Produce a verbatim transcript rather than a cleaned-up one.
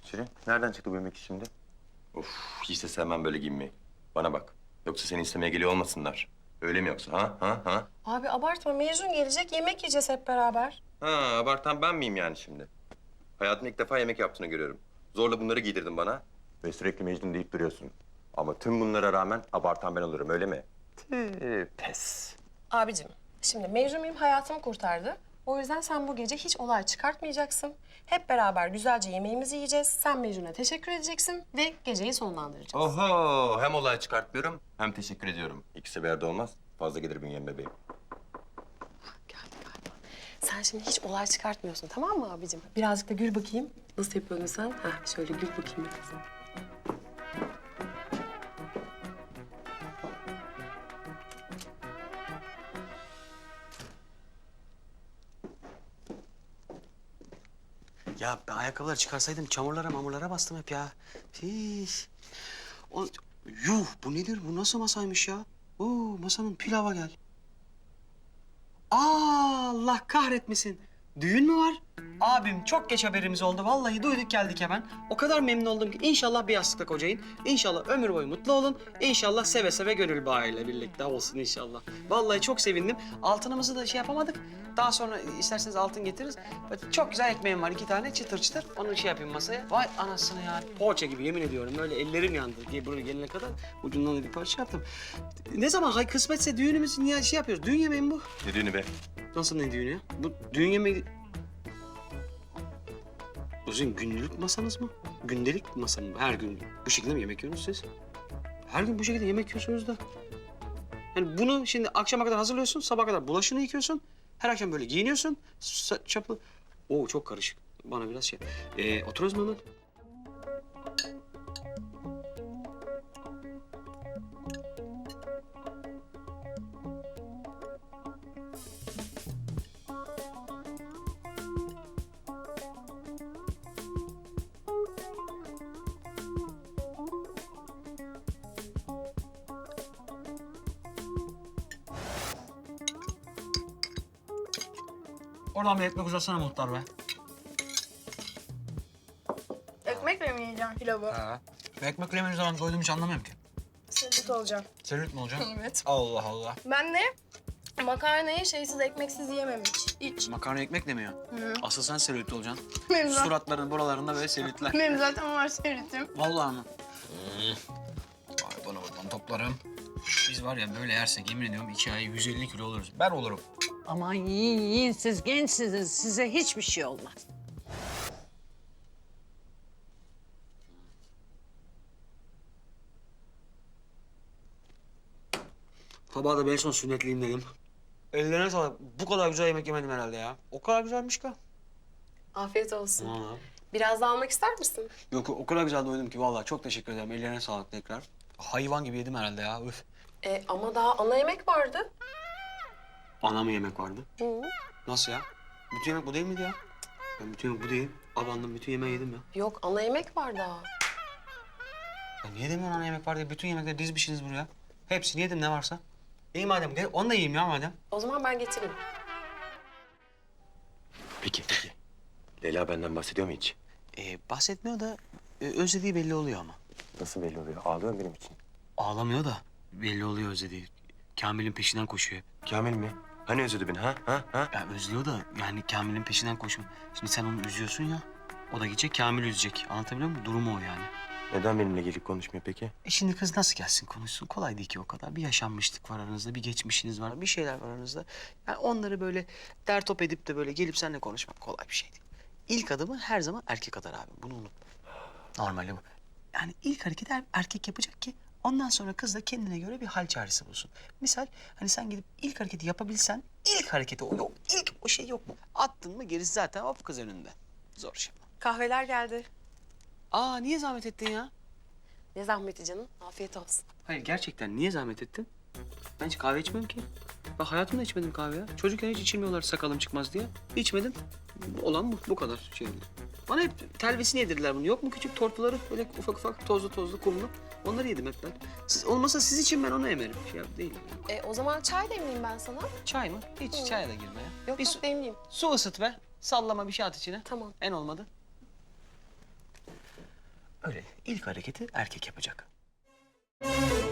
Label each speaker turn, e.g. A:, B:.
A: Şirin, nereden çıktı bu yemek işi şimdi?
B: Of, hiç de sevmem böyle giyinmeyi. Bana bak. Yoksa seni istemeye geliyor olmasınlar. Öyle mi yoksa? Ha? Ha? Ha?
C: Abi abartma. Mecnun gelecek, yemek yiyeceğiz hep beraber.
B: Ha, abartan ben miyim yani şimdi? Hayatımda ilk defa yemek yaptığını görüyorum. Zorla bunları giydirdin bana.
A: Ve sürekli Mecnun deyip duruyorsun. Ama tüm bunlara rağmen abartan ben olurum, öyle mi? Tüh, pes.
C: Abicim, şimdi Mecnun benim hayatımı kurtardı. O yüzden sen bu gece hiç olay çıkartmayacaksın. Hep beraber güzelce yemeğimizi yiyeceğiz. Sen Mecnun'a teşekkür edeceksin ve geceyi sonlandıracağız.
B: Oho, hem olay çıkartmıyorum hem teşekkür ediyorum. İkisi bir yerde olmaz. Fazla gelir bünyem bebeğim.
C: Geldi galiba. Sen şimdi hiç olay çıkartmıyorsun, tamam mı abicim? Birazcık da gül bakayım. Nasıl yapıyordun sen? Heh, şöyle gül bakayım biraz.
D: Ya ben ayakkabıları çıkarsaydım çamurlara mamurlara bastım hep ya. Hiş. O, yuh bu nedir? Bu nasıl masaymış ya? Oo masanın pilava gel. Aa, Allah kahretmesin. Düğün mü var? Abim çok geç haberimiz oldu. Vallahi duyduk geldik hemen. O kadar memnun oldum ki inşallah bir yastıkta kocayın. İnşallah ömür boyu mutlu olun. İnşallah seve seve gönül bağıyla birlikte olsun inşallah. Vallahi çok sevindim. Altınımızı da şey yapamadık. Daha sonra isterseniz altın getiririz. Çok güzel ekmeğim var iki tane çıtır çıtır. Onu şey yapayım masaya. Vay anasını ya. Poğaça gibi yemin ediyorum. Böyle ellerim yandı diye buraya gelene kadar ucundan da bir parça yaptım. Ne zaman hay kısmetse düğünümüz niye şey yapıyoruz? Düğün yemeği mi bu?
B: Ne düğünü be?
D: Nasıl ne düğünü ya? Bu düğün yemeği... O sizin günlük masanız mı? Gündelik masa mı? Her gün bu şekilde mi yemek yiyorsunuz siz? Her gün bu şekilde yemek yiyorsunuz da. Yani bunu şimdi akşama kadar hazırlıyorsun, sabah kadar bulaşığını yıkıyorsun. Her akşam böyle giyiniyorsun, sa- çaplı. Oo çok karışık. Bana biraz şey... Ee, oturuyoruz mu hemen? Oradan bir ekmek uzatsana muhtar be.
E: Ekmekle mi yiyeceğim pilavı?
D: Ha. Ekmek yemediğim zaman doydum hiç anlamıyorum ki.
E: Sıvıt olacağım.
D: Selülit mi olacak?
E: Evet.
D: Allah Allah.
E: Ben de makarnayı şeysiz ekmeksiz yiyemem hiç. Hiç.
D: Makarna ekmek demiyor.
E: Hı.
D: Asıl sen selülit olacaksın.
E: Benim, zaten,
D: Suratların buralarında böyle selülitler.
E: benim zaten var sevritim.
D: Vallahi mı? Ay bana buradan toplarım. Biz var ya böyle yersek yemin ediyorum iki ay yüz elli kilo oluruz. Ben olurum.
F: Aman yiyin yiyin siz gençsiniz. Size hiçbir şey olmaz.
D: Sabah da ben son sünnetliyim dedim. Ellerine sağlık. Bu kadar güzel yemek yemedim herhalde ya. O kadar güzelmiş ki.
C: Afiyet olsun.
D: Ha.
C: Biraz daha almak ister misin?
D: Yok o kadar güzel doydum ki vallahi çok teşekkür ederim. Ellerine sağlık tekrar. Hayvan gibi yedim herhalde ya. Üf.
C: E, ama daha ana yemek vardı.
D: Ana mı yemek vardı?
C: Hı.
D: Nasıl ya? Bütün yemek bu değil miydi ya? Ben bütün yemek bu değil. Abandım bütün yemeği yedim ya.
C: Yok, ana yemek var daha.
D: Ya niye demiyorsun ana yemek var diye? Bütün yemekleri dizmişsiniz buraya. Hepsini yedim ne varsa. İyi madem gel onu da yiyeyim ya madem.
C: O zaman ben getireyim.
B: Peki, peki. Leyla benden bahsediyor mu hiç?
D: Ee, bahsetmiyor da e, özlediği belli oluyor ama.
A: Nasıl belli oluyor? Ağlıyor benim için.
D: Ağlamıyor da belli oluyor özlediği. Kamil'in peşinden koşuyor.
B: Kamil mi? Hani özledi beni ha? Ha? Ha?
D: Ya özlüyor da yani Kamil'in peşinden koşuyor. Şimdi sen onu üzüyorsun ya. O da gidecek Kamil'i üzecek. Anlatabiliyor muyum? Durumu o yani.
B: Neden benimle gelip konuşmuyor peki?
D: E şimdi kız nasıl gelsin konuşsun? Kolay değil ki o kadar. Bir yaşanmışlık var aranızda, bir geçmişiniz var, bir şeyler var aranızda. Yani onları böyle dertop edip de böyle gelip seninle konuşmak kolay bir şey değil. İlk adımı her zaman erkek atar abi. Bunu unutma. Normali bu. Yani ilk hareketi er- erkek yapacak ki ondan sonra kız da kendine göre bir hal çaresi bulsun. Misal hani sen gidip ilk hareketi yapabilsen ilk hareketi o yok. İlk o şey yok mu? Attın mı gerisi zaten hop kız önünde. Zor şey.
C: Kahveler geldi.
D: Aa niye zahmet ettin ya?
C: Ne zahmeti canım. Afiyet olsun.
D: Hayır gerçekten niye zahmet ettin? Ben hiç kahve içmem ki. Ben hayatımda içmedim kahve ya. Çocukken hiç içilmiyorlar sakalım çıkmaz diye. İçmedim. Olan bu, bu kadar şey. Bana hep telvesini yedirdiler bunu. Yok mu küçük tortuları böyle ufak ufak tozlu tozlu kumlu. Onları yedim hep ben. Siz, olmasa siz için ben onu emerim. Şey değil.
C: E, o zaman çay demleyeyim ben sana.
D: Çay mı? Hiç
C: Hı.
D: çaya da girme ya.
C: Yok
D: bir
C: yok
D: su,
C: demleyeyim.
D: su ısıt be. Sallama bir şey at içine.
C: Tamam.
D: En olmadı. Öyle ilk hareketi erkek yapacak.